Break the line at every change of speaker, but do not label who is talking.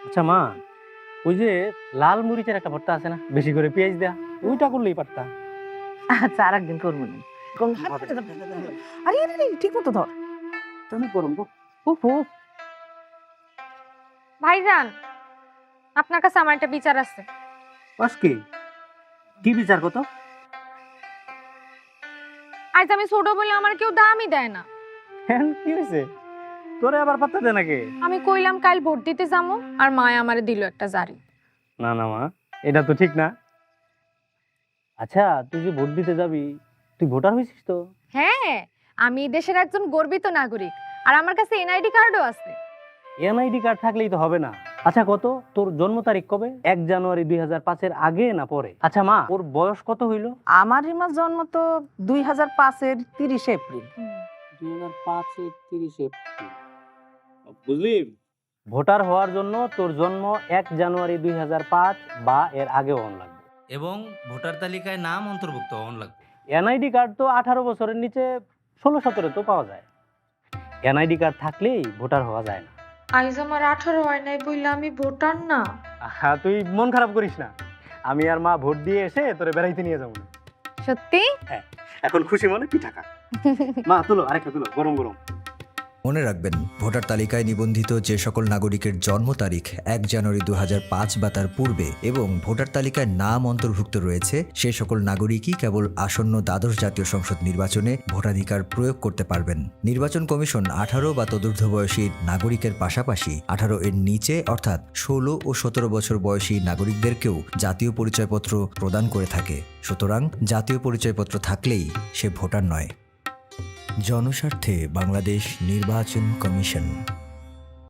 আচ্ছা মা, ওই যে লাল মরিচের একটা ভর্তা আছে না, বেশি করে পেঁয়াজ দেয়া, ওইটা করলেই পারতা।
আচ্ছা, আর একদিন করবো নি। আরে আরে আরে, ঠিক মতো ধর।
তুমি করুন গো।
উফ উফ।
ভাইজান, আপনার কাছে আমার একটা বিচার আছে।
বাস কি বিচার কত?
আজ আমি ছোট বলে আমার কেউ দামই দেয় না।
হ্যাঁ, কি হয়েছে? তোরে আবার পাত্তা দে নাকি?
আমি কইলাম কাল ভোট দিতে যাবো, আর মায় আমারে দিল একটা জারি।
না না মা, এটা তো ঠিক না। আচ্ছা, তুই যে ভোট দিতে যাবি, তুই ভোটার হয়েছিস তো?
হ্যাঁ, আমি এই দেশের একজন গর্বিত নাগরিক, আর আমার কাছে এনআইডি কার্ডও আছে।
এনআইডি কার্ড থাকলেই তো হবে না। আচ্ছা, কত তোর জন্ম তারিখ কবে? 1 জানুয়ারি 2005-এর আগে না পরে? আচ্ছা মা, ওর বয়স কত হইল?
আমার রিমার জন্ম তো 2005-এর 30 এপ্রিল।
2005-এর 30 এপ্রিল। বুঝলি, ভোটার হওয়ার জন্য তোর জন্ম 1 জানুয়ারি 2005 বা এর আগে হওয়া লাগবে।
এবং ভোটার তালিকায় নাম অন্তর্ভুক্ত হওয়ান লাগবে।
এনআইডি কার্ড তো 18 বছরের নিচে 16-17 তো পাওয়া যায়। এনআইডি কার্ড থাকলেই ভোটার হওয়া যায় না।
আইজ আমার 18 হয় নাই বইলা আমি ভোটার না।
হ্যাঁ, তুই মন খারাপ করিস না, আমি আর মা ভোট দিয়ে এসে তোরে বেড়াইতে নিয়ে যাবো না।
সত্যি?
হ্যাঁ, এখন খুশি মনে পিঠা খা। মা তুলো, আরেকটা তুলো, গরম গরম।
মনে রাখবেন, ভোটার তালিকায় নিবন্ধিত যে সকল নাগরিকের জন্ম তারিখ 1 জানুয়ারি 2005 বা তার পূর্বে এবং ভোটার তালিকায় নাম অন্তর্ভুক্ত রয়েছে, সে সকল নাগরিকই কেবল আসন্ন দ্বাদশ জাতীয় সংসদ নির্বাচনে ভোটাধিকার প্রয়োগ করতে পারবেন। নির্বাচন কমিশন 18 বা তদূর্ধ্ব বয়সী নাগরিকের পাশাপাশি 18 এর নিচে অর্থাৎ 16 ও 17 বছর বয়সী নাগরিকদেরকেও জাতীয় পরিচয়পত্র প্রদান করে থাকে। সুতরাং জাতীয় পরিচয়পত্র থাকলেই সে ভোটার নয়। জনস্বার্থে বাংলাদেশ নির্বাচন কমিশন।